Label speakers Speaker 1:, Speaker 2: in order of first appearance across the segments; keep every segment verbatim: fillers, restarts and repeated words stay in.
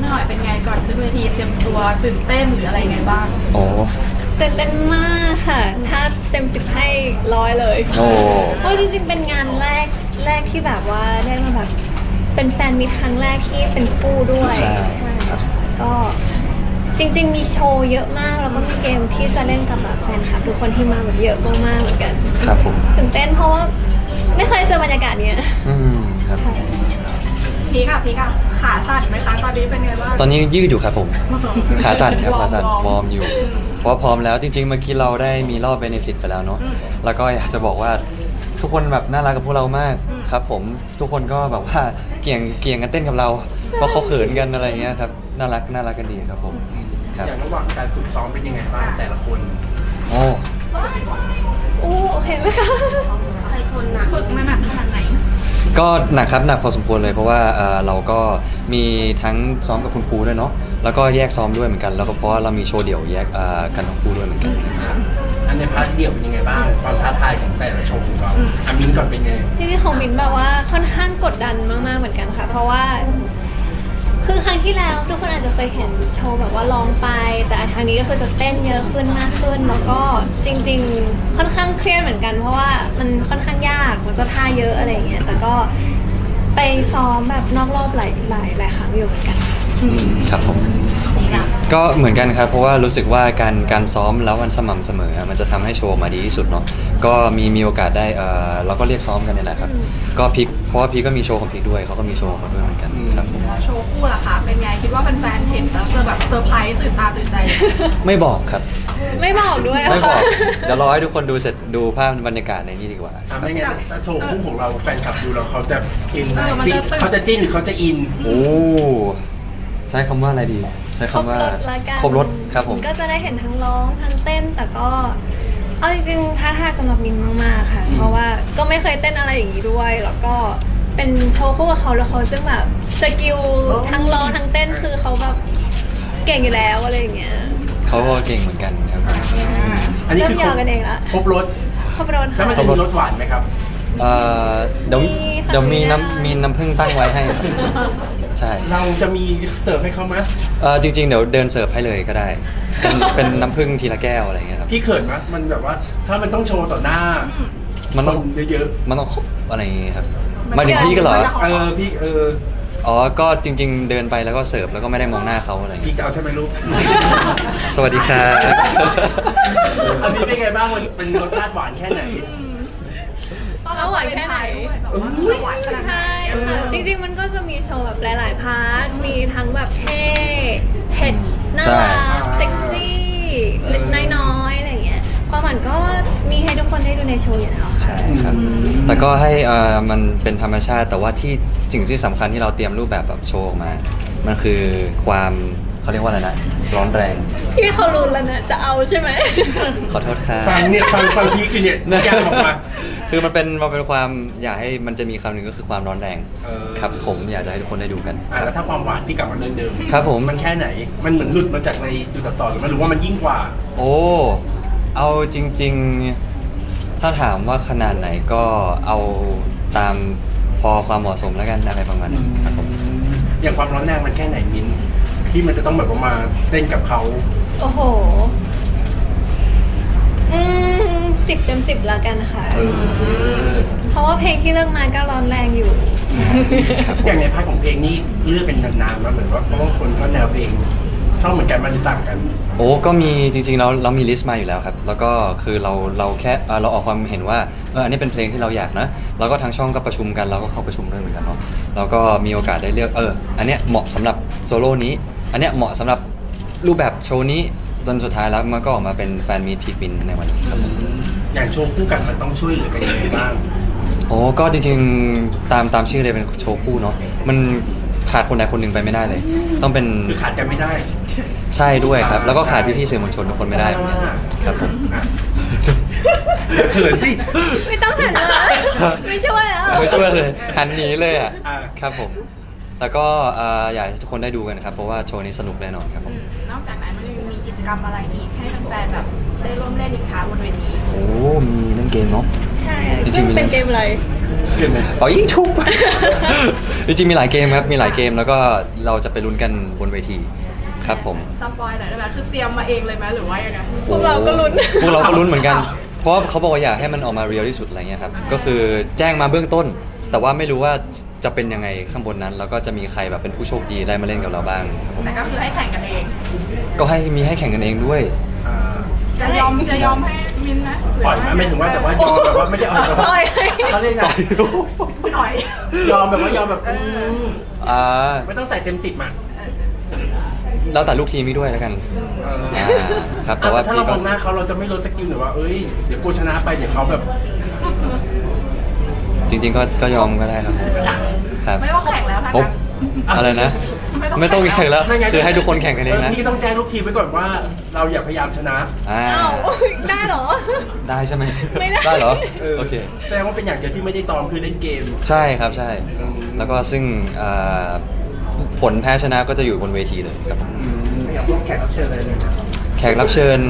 Speaker 1: หน่อยเป็นไงก่อนขึ้นเวทีเตรียมตัวตื่นเต้นหรืออะไรไงบ้าง
Speaker 2: โอ้
Speaker 3: ตื่นเต้นมากค่ะถ้าเต็มสิบให้ร้อยเลย
Speaker 2: โอ้
Speaker 3: เพราะจริงๆเป็นงานแรกแรกที่แบบว่าได้มาแบบเป็นแฟนมิตรครั้งแรกที่เป็นคู่ด้วยใช่ค่ะก็จริงๆมีโชว์เยอะมากแล้วก็มีเกมที่จะเล่นกับแบบแฟนคลับทุกคนที่มาแบบเยอะมากๆเหมือนกัน
Speaker 2: ครับผม
Speaker 3: ตื่นเต้นเพราะว่าไม่เคยเจอบรรยากาศเนี้ย
Speaker 2: อืมครับ
Speaker 1: พีค่ะพีค่ะขาสั่นไหมคะตอนนี้เป็นไงบ้าง
Speaker 2: ตอนนี้ยืดอยู่ครับผมขาสั่นครับขาสั่นวอร์มอยู่เพราะพร้อมแล้วจริงๆเมื่อกี้เราได้มีรอบเบเนฟิตไปแล้วเนาะแล้วก็อยากจะบอกว่าทุกคนแบบน่ารักกับพวกเรามากครับผมทุกคนก็แบบว่าเกี่ยงเกี่ยงกันเต้นกับเราเพราะเขาเขินกันอะไรเงี้ยครับน่ารักน่ารักกันดีครับผม
Speaker 4: อย่างระหว่างการฝึกซ้อมเป็นยังไงบ้างแต่ละคน
Speaker 2: โอ้
Speaker 3: โอ้โอเคไหมคะ
Speaker 1: ใครชนหนักฝึกมาหนักขนาดไหน
Speaker 2: ก็หนักครับหนักพอสมควรเลยเพราะว่าเราก็มีทั้งซ้อมกับคุณครูด้วยเนาะแล้วก็แยกซ้อมด้วยเหมือนกันแล้วก็เพราะว่าเรามีโชว์เดี่ยวแยกกันทั้งคู่ด้วยเหมือนกัน
Speaker 4: อันในพาร์ทเดี่ยวเป็นยังไงบ้างความท้าทายของแต่ละโชว์ของเราอามินก่อนเป็นไง
Speaker 3: ที่ที่ของมินแบบว่าค่อนข้างกดดันมากๆเหมือนกันค่ะเพราะว่าคือครั้งที่แล้วทุกคนอาจจะเคยเห็นโชว์แบบว่าร้องไปแต่ครั้งนี้ก็คือจะเต้นเยอะขึ้นมากขึ้นแล้วก็จริงๆค่อนข้างเครียดเหมือนกันเพราะว่ามันค่อนข้างยากแล้วก็ท่าเยอะอะไรอย่างเงี้ยแต่ก็ไปซ้อมแบบนอกรอบหลายหลายหลายครั้งอยู่เหมือนกัน
Speaker 2: ครับผมก็เหมือนกันครับเพราะว่ารู้สึกว่าการการซ้อมแล้วมันสม่ำเสมอมันจะทำให้โชว์มาดีที่สุดเนาะก็มีมีโอกาสได้เออเราก็เรียกซ้อมกันนี่แหละครับก็พิกเพราะว่าพิกก็มีโชว์ของพิกด้วยเขาก็มีโชว์ของเขาด้วยเหมือนกันครับผม
Speaker 1: โชว์คู่ล่ะคะเป็นไงคิดว่าแฟนๆเห็นแล้วจะแบบเซอร์ไพรส์ตื่นตาตื่นใจ
Speaker 2: ไม่บอกครับ
Speaker 3: ไม่บอกด้วย
Speaker 2: ไม่บอกเดี๋ยวรอให้ทุกคนดูเสร็จดูภาพบรรยากาศในนี้ดีกว่า
Speaker 4: ไม่งั้นโชว์คู่ของเราแฟนคลับดูแล้วเขาจะอินเขาจะจิ้นหรือเขาจะอิน
Speaker 2: โอ้ใช้คำว่าอะไรดีใช้คำว่าครบรถครับผม
Speaker 3: ก็จะได้เห็นทั้งร้องทั้งเต้นแต่ก็เอาจริงๆท้าทายสำหรับมินมากๆค่ะเพราะว่าก็ไม่เคยเต้นอะไรอย่างนี้ด้วยแล้วก็เป็นโชว์คู่กับเขาแล้วเขาซึ่งแบบสกิลทั้งร้องทั้งเต้นคือเขาแบบเก่งอยู่แล้วอะไรอย่างเงี้ย
Speaker 2: เขาก็เก่งเหมือนกันครับ
Speaker 4: อันนี้คือ
Speaker 3: กันเองละ
Speaker 4: ครบรถ
Speaker 3: ครบรถ
Speaker 4: แล้วมันจะมีรสหวานไหมครับ
Speaker 2: เอ่อเดี๋ยวเดี๋ยวมีน้ำมีน้ำผึ้งตั้งไว้ให้ใช่
Speaker 4: เราจะมีเสิร์ฟให้เขาไหม
Speaker 2: เออจริงๆเดี๋ยวเดินเสิร์ฟให้เลยก็ได้เป็นเป็นน้ำผึ้งทีละแก้วอะไรเงี้ยครับ
Speaker 4: พี่เขินไหมมันแบบว่าถ้ามันต้องโชว์ต่อหน้า
Speaker 2: มันต้อง
Speaker 4: เยอะ
Speaker 2: ๆมันต้องอะไรอย่างเงี้ยครับมาถึงพี่ก็เหรอ
Speaker 4: เออพี่เออ
Speaker 2: อ๋อก็จริงๆเดินไปแล้วก็เสิร์ฟแล้วก็ไม่ได้มองหน้าเขาอะไร
Speaker 4: พี่จะเอาใช่ไหมลูก
Speaker 2: สวัสดีครับ
Speaker 4: อันนี้เป็นไงบ้างมันเป็นรสชาติหวานแค่ไหน
Speaker 3: แล้วหวานแค่ไหนใช่จริงๆมันก็จะมีโชว์แบบหลายๆพาร์ทมีทั้งแบบเท่เผ็ดน่ารักเซ็กซี่น้อยๆอะไรอย่างเงี้ยความหวานก็มีให้ทุกคนได้ดูในโชว์อยู่แล้ว
Speaker 2: ใช่ครับแต่ก็ให้อ่ามันเป็นธรรมชาติแต่ว่าที่สิ่งที่สำคัญที่เราเตรียมรูปแบบแบบโชว์ออกมามันคือความเขาเรียกว่าอะไรนะร้อนแรง
Speaker 3: พี่เขารู้แล้วนะจะเอาใช่ไหม
Speaker 2: ขอโทษครับ
Speaker 4: ฟังเนี่ยฟังฟังพี่คือเนี่ยยากออกมา
Speaker 2: คือมันเป็นมันเป็นความอยากให้มันจะมีคำหนึ่งก็คือความร้อนแรงครับผมอยากจะให้ทุกคนได้ดูกัน
Speaker 4: แล้วถ้าความหวานที่กลับมาเดิมเดิม
Speaker 2: ครับผม
Speaker 4: มันแค่ไหนมันเหมือนหลุดมาจากในจุดตัดต่อหรือมันหรือว่ามันยิ่งกว่า
Speaker 2: โอ้เอาจริงๆถ้าถามว่าขนาดไหนก็เอาตามพอความเหมาะสมแล้วกันอะไรประมาณนี้ครับผม
Speaker 4: อย่างความร้อนแรงมันแค่ไหนมิ้นที่มันจะต้องแบบว่ามาเต้นกับเขา
Speaker 3: โอ้โหอืมสิบเต็มสิบละกันค่ะเพราะว่าเพลงที่เลือกมาก็ร้อนแรงอยู่
Speaker 4: อย่างในพาร์ทของเพลงนี้เลือกเป็นนานๆมาเหมือนว่าเพราะว่าคนก็แนวเพลงชอบเหมือนกันมันต่างกัน
Speaker 2: โอ้ก็มีจริงๆเราเรามีลิสต์มาอยู่แล้วครับแล้วก็คือเราเราแค่เราออกความเห็นว่าเอออันนี้เป็นเพลงที่เราอยากนะแล้วก็ทางช่องก็ประชุมกันเราก็เข้าประชุมด้วยเหมือนกันเนาะแล้วก็มีโอกาสได้เลือกเอออันเนี้ยเหมาะสำหรับโซโล่นี้อันเนี้ยเหมาะสำหรับรูปแบบโชว์นี้จนสุดท้ายแล้วมันก็ออกมาเป็นแฟนมีตพีคบินในวันนี้ครับ
Speaker 4: อย่างโชว์คู่กันมันต้องช่วยเหลือกันยังไงบ้าง
Speaker 2: โอ้ก็จริงๆตามตามชื่อเลยเป็นโชว์คู่เนาะมันขาดคนใดคนหนึ่งไปไม่ได้เลยต้องเป็น
Speaker 4: คือขาดกันไม่ได้
Speaker 2: ใช่ด้วยครับแล้วก็ขาดพี่ๆสื่อมวลชนทุกคนไม่ได้ครับผม
Speaker 4: เขินสิ
Speaker 3: ไม่ต้องหันมาไม่ช่วยแล้ว
Speaker 2: ไม่ช่วยเลยหันหนีเลยอ่ะครับผมแล้วก็อยากให้ทุกคนได้ดูกันครับเพราะว่าโชว์นี้สนุกแน่นอนครับผม
Speaker 1: นอกจากนั้นมันยังมีกิจกรรมอะไรอีกให้แฟนๆแบบได้ร่วมเล่นอีกครั้งบนเวที
Speaker 2: โอ้มีเล่นเกมเนาะ
Speaker 3: ใช่
Speaker 2: จริงๆ
Speaker 3: ซึ่ง
Speaker 2: มี
Speaker 3: เป็นเกมอะไร
Speaker 4: เกินไหม
Speaker 2: เป่ายิงชุบ จริงๆมีหลายเกมครับมีหลายเกมแล้วก็เราจะไปลุ้นกันบนเวทีครับผม
Speaker 1: สปอยหน่อยได้ไหมคือเตรียมมาเองเลยไหมหรือว่ายังไง
Speaker 3: พวกเราก็ลุ้น
Speaker 2: พวกเราก็ลุ้นเหมือนกัน เพราะว่าเขาบอกว่าอยากให้มันออกมาเรียลที่สุดอะไรเงี้ยครับ ก็คือแจ้งมาเบื้องต้น แต่ว่าไม่รู้ว่าจะเป็นยังไงข้างบนนั้น แล้วก็จะมีใครแบบเป็นผู้โชคดีได้มาเล่นกับเราบ้างครับผม
Speaker 1: แต่ก็คือให้แข่งกันเอง
Speaker 2: ก็ให้มีให้แข่งกันเองด้วย
Speaker 4: อ่า
Speaker 1: จะยอมจะยอมให้มินไหมหรื
Speaker 4: ปล่อยไหมไม่ถึงว่าแต่ว่ายอมแบบว่าไม่ได้เอาแบบ
Speaker 3: ปล่
Speaker 4: ว่า
Speaker 3: อย
Speaker 4: เขาเรียกไง
Speaker 1: ปล่อย
Speaker 4: ยอมแบบว่ายอมแบบอืม
Speaker 2: อ่า
Speaker 4: ไม่ต้องใส่เต็มสิบอ่ะ
Speaker 2: แล้วแต่ลูกทีมนี้ด้วยแล้วกัน
Speaker 4: เออ
Speaker 2: อ่าครับแต่ว่า
Speaker 4: ถ้า
Speaker 2: พี่
Speaker 4: เรา
Speaker 2: ก็
Speaker 4: มองหน้าเขาเราจะไม่ลดสกิลหรือว่าเอ้ยเดี๋ยวกูชนะไปเดี๋ยวเขาแบบ
Speaker 2: จริง ๆ ก็ก็ยอมก็ได้ครับครับ
Speaker 1: ไม่ต้องแข่งแล้วถ้า
Speaker 2: โอ๊ะ
Speaker 1: งั้น
Speaker 2: อะไรนะ ไม่ต้องแข่งแล้ว
Speaker 4: ไม่งั้น
Speaker 2: คือให้ทุกคนแข่งกันเองนะ
Speaker 4: พี่ต้องแจ้งลูกทีมไว้ก่อนว่า เราอย่าพยายามชนะ
Speaker 2: อ่า
Speaker 3: อ้าวได้เหรอ
Speaker 2: ได้ใช่ไหม
Speaker 3: ไม่ได้
Speaker 2: ได้เหรอ
Speaker 4: เออ
Speaker 2: โอเค
Speaker 4: แสดงว่าเป็นอย่างเดียวที่ไม่ได้ซ้อมคือเล่นเกม
Speaker 2: ใช่ครับใช่
Speaker 4: อืม
Speaker 2: แล้วก็ซึ่งอ่าผลแพ้ชนะก็จะอยู่บนเวทีเลยครับ
Speaker 4: ไม่อยากร่วมแขกรับเชิญอะไรเลยนะ
Speaker 2: แขกรับเชิญ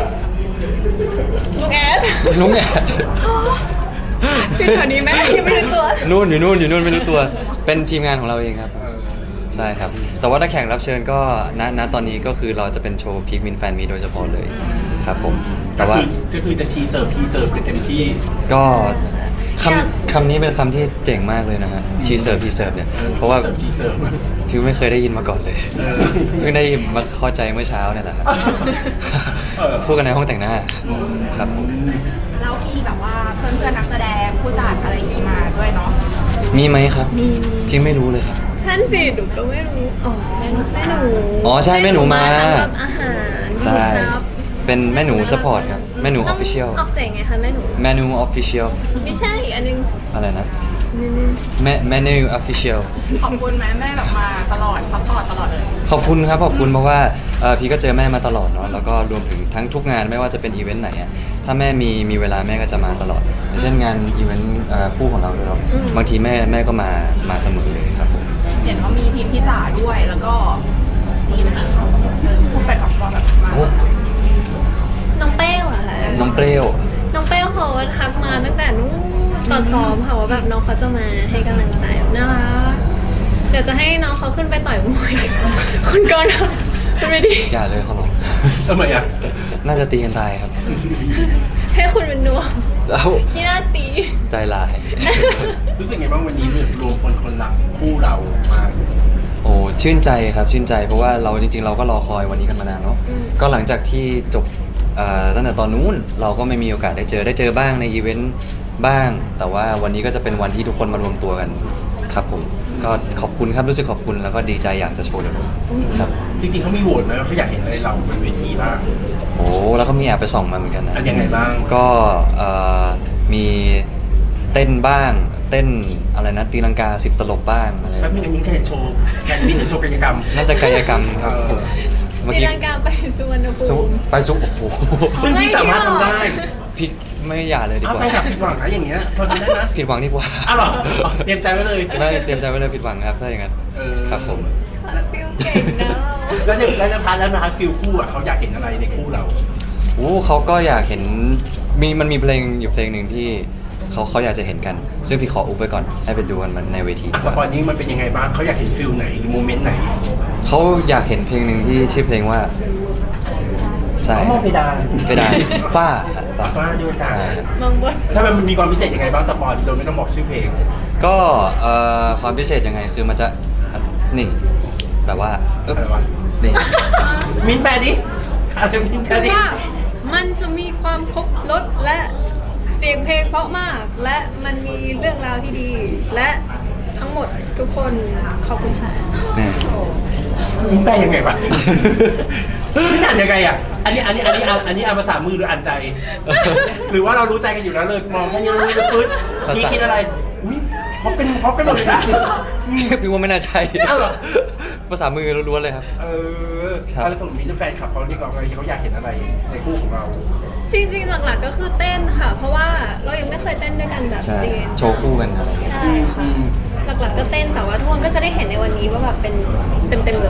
Speaker 3: ลุงแอด
Speaker 2: ลุงแอด
Speaker 3: คือแถวนี้ไหมยังไม่รู้ตัว
Speaker 2: นู่นอยู่นู่นอยู่นู่นไม่รู้ตัว เป็นทีมงานของเราเองครับ
Speaker 4: เออ
Speaker 2: ใช่ครับ แต่ว่าถ้าแขกรับเชิญก็ณณตอนนี้ก็คือเราจะเป็นโชว์พีคมินแฟนมีโดยเฉพาะเลยครับผม แต่ว่า
Speaker 4: ก็คือจะชีเสิร์ฟพีเสิร์ฟกันเต็มที่
Speaker 2: ก็คำคำนี้เป็นคำที่เจ๋งมากเลยนะฮะชีเซิร์ฟพีเซิร์ฟเนี่ย เพราะว่า
Speaker 4: เสิร์ฟชีเสิร์ฟอะ
Speaker 2: ฟิวไม่เคยได้ยินมาก่อนเลย
Speaker 4: เออ
Speaker 2: เพิ่งได้มาเข้าใจเมื่อเช้าเนี่ยแหละครับ
Speaker 4: เออ
Speaker 2: พูดกันในห้องแต่งหน้าครับผม
Speaker 1: แล้วพี่แบบว่าเพื่อนเพื่อนๆนักแสดงผู้จัดอะไรอย่างงี้มาด้วยเนาะ
Speaker 2: มีไหมครับ
Speaker 1: มี
Speaker 2: พี่ไม่รู้เลยครับ
Speaker 3: ฉันสิหนูก็ไม่รู้ อ๋อแม่หนูแม่หนู
Speaker 2: อ๋อใช่แม่หนูมา
Speaker 3: ทำแบบอาหาร
Speaker 2: ใช่
Speaker 3: ดูซับ
Speaker 2: เป็นแม่หนูสปอร์ตครับ แม่หนูออฟฟิเชียล
Speaker 3: ออกเสียงไงคะแม่หนู
Speaker 2: แม่หนูออฟฟิเชียล
Speaker 3: ไม่ใช่อีกอันนึง
Speaker 2: อะไรนะ
Speaker 3: นี่นี่
Speaker 2: แม่แม่หนูออฟฟิเชียล
Speaker 1: ขอบคุณแม่แม่แบบมาตลอดซัพพอร์ตตลอดเลย
Speaker 2: ขอบคุณครับขอบคุณเพราะว่าเอ่อพี่ก็เจอแม่มาตลอดเนาะแล้วก็รวมถึงทั้งทุกงานไม่ว่าจะเป็นอีเวนต์ไหนอะถ้าแม่มีมีเวลาแม่ก็จะมาตลอดอย่างเช่นงานอีเวนต์เอ่อคู่ของเราด้วยเนาะบางทีแม่แม่ก็มามาเสมอเลยครับผม
Speaker 1: เห็นว่ามีทีมพี่จ๋าด้วยแล้วก็จีนนะคะเออพูดไปออกมาแบบมา
Speaker 2: โอ้
Speaker 3: น้องเป้วอะค่ะ
Speaker 2: น้องเปรี้ยว
Speaker 3: น้องเป้วเขาทักมาตั้งแต่นู้นตอนซ้อมค่ะว่าแบบน้องเขาจะมาให้กำลังใจน่ารักเดี๋ยวจะให้น้องเขาขึ้นไปต่อยมวย คุณก่อนค่ะคุณไม่ดี
Speaker 2: อย่าเลยเขาหรอก
Speaker 4: ทำไมอ่ะ
Speaker 2: น่าจะตีกันตายครับ
Speaker 3: ให้คุณเป็นนวม
Speaker 2: แล้ว
Speaker 3: ที่หน้าตี
Speaker 2: ใจลาย
Speaker 4: รู้สึกไงบ้างวันนี้รวมคนคนรักคู่เรามา
Speaker 2: โอ้ชื่นใจครับชื่นใจเพราะว่าเราจริง ๆ เราก็รอคอยวันนี้กันมานานเนาะก็หลังจากที่จบเอ่อตั้งแต่ตอนนู้นเราก็ไม่มีโอกาสได้เจอได้เจอบ้างในอีเวนต์บ้าง แต่ว่าวันนี้ก็จะเป็นวันที่ทุกคนมารวมตัวกันครับผมก็ขอบคุณครับรู้สึกขอบคุณแล้วก็ดีใจอยากจะโชว์เลยครับ
Speaker 4: จริงๆเขามีโหวตไหมว่าเขาอยากเห็นอะไรเราบนเวทีบ้าง
Speaker 2: โอ้แล้วก็มีแอบไปส่องมาเหมือนกันนะ
Speaker 4: อ่ะยังไงบ้าง
Speaker 2: ก็เอ่อมีเต้นบ้าง เต้นอะไรนะตีลังกาสิบตลบบ้างอะไร
Speaker 4: แป๊บนึงอันนี้แค่โชว์แคนบินหรือโชว์กายกรรม
Speaker 2: น่าจะกายกรรมครับ
Speaker 4: เออ
Speaker 2: เมื่อ
Speaker 3: ตี
Speaker 2: กี้
Speaker 3: ลังกาไปสุวรรณภู
Speaker 2: ซุ
Speaker 3: มิ
Speaker 2: ไปซุปโอ้โห
Speaker 4: ซึ่งพี่สามารถทำได้
Speaker 2: พี่ไม่อย่าเลยดี
Speaker 4: เอา
Speaker 2: กว่า
Speaker 4: ไปกับผิดหวังนะอย่างเงี้ยทนได้นะ
Speaker 2: ผิดหวังดีกว่า
Speaker 4: อ้าวเหรออ๋อเตรียมใจไว้เลย
Speaker 2: ได้เตรียมใจไว้เลยผิดหวังครับถ้าอย่างนั้น
Speaker 4: เออ
Speaker 2: ครับผม
Speaker 3: ฟิลเก่งนะเรา
Speaker 4: แล้วในแล้วในพาร์ทแล้วนะครับฟิลคู่อ่ะเขาอยากเห็นอะไรในคู่เรา
Speaker 2: โอ้เขาก็อยากเห็นมีมันมีเพลงอยู่เพลงหนึ่งที่เขาเขาอยากจะเห็นกัน ซึ่งพี่ขออุบไว้ก่อนให้ไปดูกันมันในเวที
Speaker 4: อ่ะสปอยนี้มันเป็นยังไงบ้างเขาอยากเห็นฟิลไหนหรือโมเมนต์ไหน
Speaker 2: เขาอยากเห็นเพลงหนึ่งที่ชื่อเพลงว่าใช่
Speaker 4: เขามองเพดาน
Speaker 2: เพดานฝ้า
Speaker 4: ฟ้าด้วยกัน
Speaker 2: ใช่ครับ
Speaker 3: มองบน
Speaker 4: ถ้ามันมีความพิเศษยังไงบ้างสปอยโดยไม่ต้องบอกชื่อเพลง
Speaker 2: ก็เอ่อความพิเศษยังไงคือมันจะนี่แบบว่าเอ๊บ
Speaker 4: อะไรวะ
Speaker 2: นี่
Speaker 4: มิ้นแปลดิอะไรมิ้นแปล
Speaker 3: คือ
Speaker 4: ดิ
Speaker 3: ว่ามันจะมีความครบรสและเสียงเพลงเพราะมาก และมันมีเรื่องราวที่ดี และทั้งหมดทุกคนขอบคุณค่ะ
Speaker 2: นี่
Speaker 4: มิ้นแปลยังไงวะมิ้นอ่านยังไงอ่ะอันนี้อันนี้อันนี้อ่านอันนี้อ่านภาษามือหรืออ่านใจ หรือว่าเรารู้ใจกันอยู่แล้วเลยมองแค่นี้รู้เลยปึ๊ดพี่คิดอะไรอุ้ยเพราะเป็นเพราะเป็นหมดเลยนะ
Speaker 2: พี่ว่าไม่น่าใช่
Speaker 4: อ้าวเหรอ
Speaker 2: ภาษามือล้วนๆเลยครับ
Speaker 4: เออ
Speaker 2: ครับ
Speaker 4: แล้วสมมติมีแฟนคลับเขาเรียกเราไงเขาอยากเห็นอะไรในคู่ของเรา
Speaker 3: จริงๆ หลักๆ ก็คือเต้นค่ะ เพราะว่าเรายังไม่เคยเต้นด้วยกันแบบ
Speaker 2: ใช่
Speaker 3: จริง
Speaker 2: โชว์คู่กันอะไรอย่างเงี้ย
Speaker 3: ใช่ค่ะ หลักๆ ก็เต้นแต่ว่าทุกคนก็จะได้เห็นในวันนี้ว่าแบบเป็นเต็มๆเลย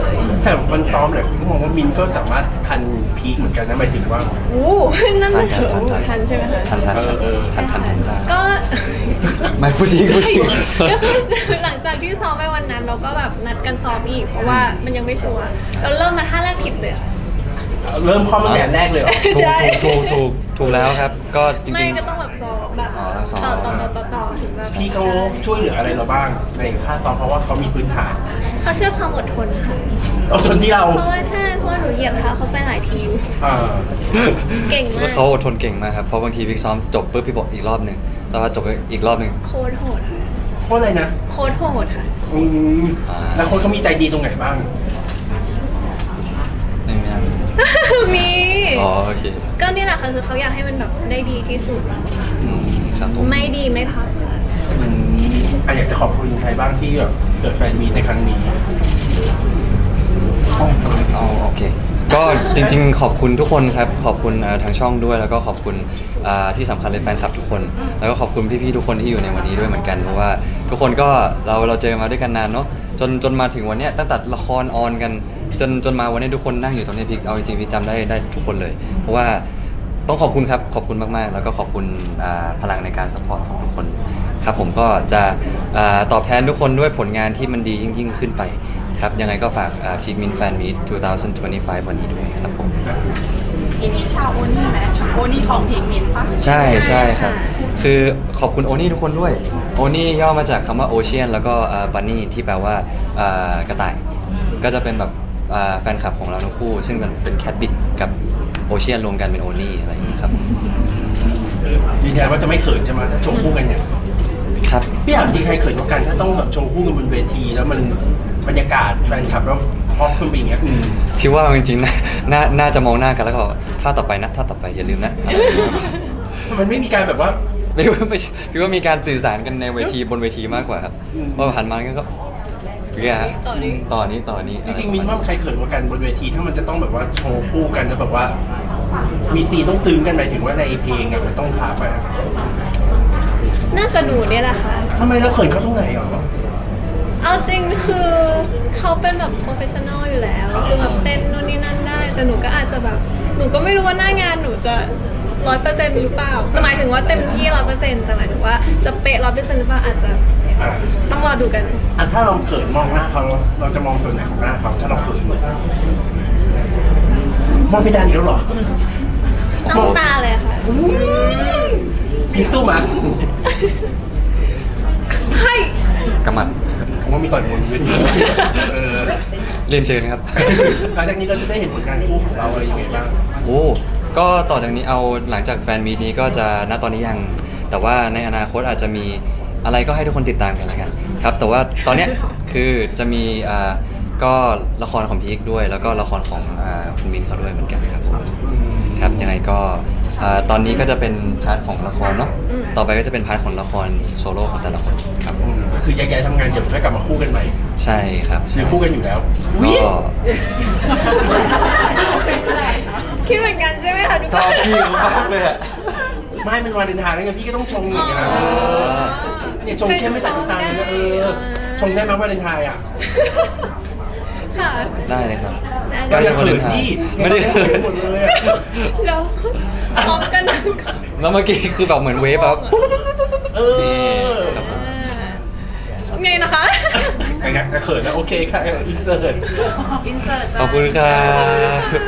Speaker 4: แต่วันซ้อมหลายคนก็มองว่ามินก็สามารถทันพีคเหมือนกันนะหมายถึงว่า
Speaker 3: โอ้นั่น
Speaker 2: ทั
Speaker 3: น่ะ
Speaker 2: นทันทันทัน
Speaker 3: ทันใช่ไหมคะ
Speaker 2: ทันทันทัน
Speaker 4: เออ
Speaker 2: ทันทันทันทัน
Speaker 3: ก็
Speaker 2: ไม่พูดจริงพูดจริง
Speaker 3: ก็คือหลังจากที่ซ้อมไปวันนั้นเราก็แบบนัดกันซ้อมอีก เพราะว่ามันยังไม่ชัวร์เราเริ่มมาท่าแรกผิดเลยค่ะ
Speaker 4: เริ่มข้อมาแต่แรกเลยเหรอ
Speaker 2: ถูก
Speaker 3: ใช่
Speaker 2: ถูกถูกถูกถูกแล้วครับ ก็จ
Speaker 3: ไม่
Speaker 2: ริง
Speaker 3: ก็ต้องแบบซ้อมแบบ
Speaker 2: อ๋อซ้อม
Speaker 3: ต่อต่อต่อต่อต่อถึงแบบ
Speaker 4: พี่เขาช่วยเหลืออะไรเราบ้างในค่าซ้อมเพราะว่าเขามีพื้นฐาน
Speaker 3: เขาเชื่อความอดทนค่ะ
Speaker 4: เอาจนที่เรา
Speaker 3: เพราะว่าใช่เพราะว่าหนูเหยียบเท้าเขาไปหลายทีอยู่
Speaker 4: อ่า
Speaker 3: เก่งมาก
Speaker 2: แล้วเขาอดทนเก่งมากครับ เพราะบางทีพี่ซ้อมจบปุ๊บพี่บอกอีกรอบหนึ่งแต่ว่าจบอีกรอบหนึ่ง
Speaker 3: โคตรโหดค่ะ
Speaker 4: โคตรอะไรนะ
Speaker 3: โคตรโหดค่ะ
Speaker 4: อืม
Speaker 2: อ่า
Speaker 4: แล้วคนเขามีใจดีตรงไหนบ้าง
Speaker 2: ไม่ไม่น่ามี
Speaker 3: มี
Speaker 2: อ๋อโอเค
Speaker 3: ก็นี่แหละค่ะคือเขาอยากให้มันแบบได้ดีที่สุด
Speaker 2: อืมครับผม
Speaker 3: ไม่ดีไม่พักค่ะ
Speaker 4: อืมอ่ะอยากจะขอบคุณใครบ้างที่แบบเกิดแฟนมีตในครั้งนี้
Speaker 2: เอาโอเค ก็จริงๆ ขอบคุณทุกคนครับ ขอบคุณเอ่อทางช่องด้วย แล้วก็ขอบคุณอ่าที่สำคัญเลยแฟนคลับทุกคน แล้วก็ขอบคุณพี่ๆ ทุกคนที่อยู่ในวันนี้ด้วยเหมือนกัน เพราะว่าทุกคนก็เราเราเจอมาด้วยกันนานเนาะ จนจนมาถึงวันเนี้ยตั้งแต่ละครออนกัน จนจนมาวันนี้ทุกคนนั่งอยู่ตรงนี้พี่เอาจริงๆพี่จำได้ได้ทุกคนเลย เพราะว่าต้องขอบคุณครับ ขอบคุณมากๆ แล้วก็ขอบคุณอ่าพลังในการสปอร์ตของทุกคน ครับผมก็จะอ่าตอบแทนทุกคนด้วยผลงานที่มันดียิ่งยิ่งขึ้นไปครับ ยังไงก็ฝากพีกมินแฟนมีทสองพันยี่สิบห้าวันนี้ด้วยครับผม
Speaker 1: ทีนี้ชาวโอนี่ไหมโอนี่ของพิงมินปะ
Speaker 2: ใช่ใช่ครับ
Speaker 3: ค่ะ
Speaker 2: คือขอบคุณโอนี่ทุกคนด้วย โอนี่ย่อมาจากคำว่าโอเชียนแล้วก็บันนี่ที่แปลว่าอ่ากระต่าย ก็จะเป็นแบบอ่าแฟนคลับของเราทั้งคู่ ซึ่งมันเป็นแคทบิดกับโอเชียนรวมกันเป็นโอนี่อะไรอย่างนี้ครับ
Speaker 4: ยืนยันว่าจะไม่เขินใช่ไหมถ้าโชว์คู่กันเนี่ย
Speaker 2: ครับ
Speaker 4: พี่ถามจริงใครเขินกว่ากันถ้าต้องแบบโชว์คู่กันบนเวที แล้วมันบรรยากาศแฟนคลับแล้วพอขึ้นไปอย่างเงี้ยอืม
Speaker 2: พี่ว่าจริงๆนะน่าน่าจะมองหน้ากันแล้วก็บอกถ้าต่อไปนะถ้าต่อไปอย่าลืมนะอะไรอย่างเงี้ย
Speaker 4: มันไม่มีการแบบว่า
Speaker 2: ไม่ว่าไม่ใช่พี่ว่ามีการสื่อสารกันในเวทีบนเวทีมากกว่าครับ
Speaker 4: อืม
Speaker 2: ว่าผ่านมาก็เนี่ยฮะ
Speaker 3: ต่อนี้
Speaker 2: ต่อนี้ต่อนี้
Speaker 4: จริงๆมินว่าใครเขินกว่ากันบนเวทีถ้ามันจะต้องแบบว่าโชว์คู่กันแล้วแบบว่า มีซีนต้องซึ้งกันหมายถึงว่าในเพลงอะมันต้องพาไปอะ
Speaker 3: น่าจะหนูเนี่ยแหละค่ะ
Speaker 4: ทำไมเราเขินเขาตรงไหนอ่ะ
Speaker 3: เอาจริงคือเขาเป็นแบบโปรเฟชชั่นอลอยู่แล้ว คือแบบเต้นนู่นนี่นั่นได้ แต่หนูก็อาจจะแบบ หนูก็ไม่รู้ว่าหน้างานหนูจะร้อยเปอร์เซ็นต์หรือเปล่าแต่หมายถึงว่าเต็มที่ร้อยเปอร์เซ็นต์แต่หมายถึงว่าจะเป๊ะร้อยเปอร์เซ็นต์หรือเปล่าอาจจะ
Speaker 4: อ่ะ
Speaker 3: ต้องรอดูกัน
Speaker 4: อันถ้าเราเขินมองหน้าเขาเราจะมองส่วนไหนของหน้าเขาถ้าเราเขินมองไม่ได้อีกแล้วเหรอ
Speaker 3: ต้องตาเลยค่ะ
Speaker 4: พีคสู้มั้ย
Speaker 3: ให้
Speaker 2: กำมัด
Speaker 4: ผมว่ามีต่อยมวยบนเวทีเออ
Speaker 2: เรียนเชิญครับ
Speaker 4: หลังจากนี้เราจะได้เห็นผลงานคู่ของเราอะไรยังไงบ้าง
Speaker 2: โอ้ก็ต่อจากนี้เอาหลังจากแฟนมีตนี้ก็จะณตอนนี้ยัง แต่ว่าในอนาคตอาจจะมีอะไรก็ให้ทุกคนติดตามกันแล้วกันครับ แต่ว่าตอนเนี้ยคือจะมีอ่าก็ละครของพีคด้วย แล้วก็ละครของอ่าคุณมินเขาด้วยเหมือนกันครับครับยังไงก็อ่าตอนนี้ก็จะเป็นพาร์ทของละครเนาะต่อไปก็จะเป็นพาร์ทของละครโซโล่ของแต่ละคนครับ
Speaker 4: อืมก็คือแยกย้ายทำงานเดี๋ยวค่อยกลับมาคู่กันใหม่
Speaker 2: ใช่ครับ
Speaker 4: หรือคู่กันอยู่แล้ว
Speaker 2: ก็
Speaker 3: คิดเหมือนกันใช่ไหมคะทุก
Speaker 2: ช
Speaker 3: ค
Speaker 2: อบ
Speaker 3: น
Speaker 2: พี่มากเลยอะ
Speaker 4: ไม่เป็นวาเลนไทน์แล้วไงพี่ก็ต้องชงอย่างเงี้ยนะ
Speaker 3: อ๋อ
Speaker 4: เนี่ยชงเข้มไม่ใส่น้ำตาลเลยนะเออชงได้ไหมวาเลนไทน์อ่ะ
Speaker 3: ค่ะ
Speaker 2: ได้เลยครับ
Speaker 3: ได้
Speaker 2: ใกล้จะวาเลนไทน์
Speaker 4: พี่
Speaker 2: ไม่ได้เขิน
Speaker 4: หมดเลยอะ
Speaker 3: แล้วพร้อมกัน
Speaker 2: แล้วเมื่อกี้คือแบบเหมือนเวฟแบบ
Speaker 4: เอ
Speaker 2: นี่
Speaker 4: อ
Speaker 2: ครับผม
Speaker 3: ไงนะคะ
Speaker 4: ไงเขินนะโอเคค่ะอินเสิร์ต
Speaker 3: อินเสิร์ต
Speaker 2: ขอบคุณครับ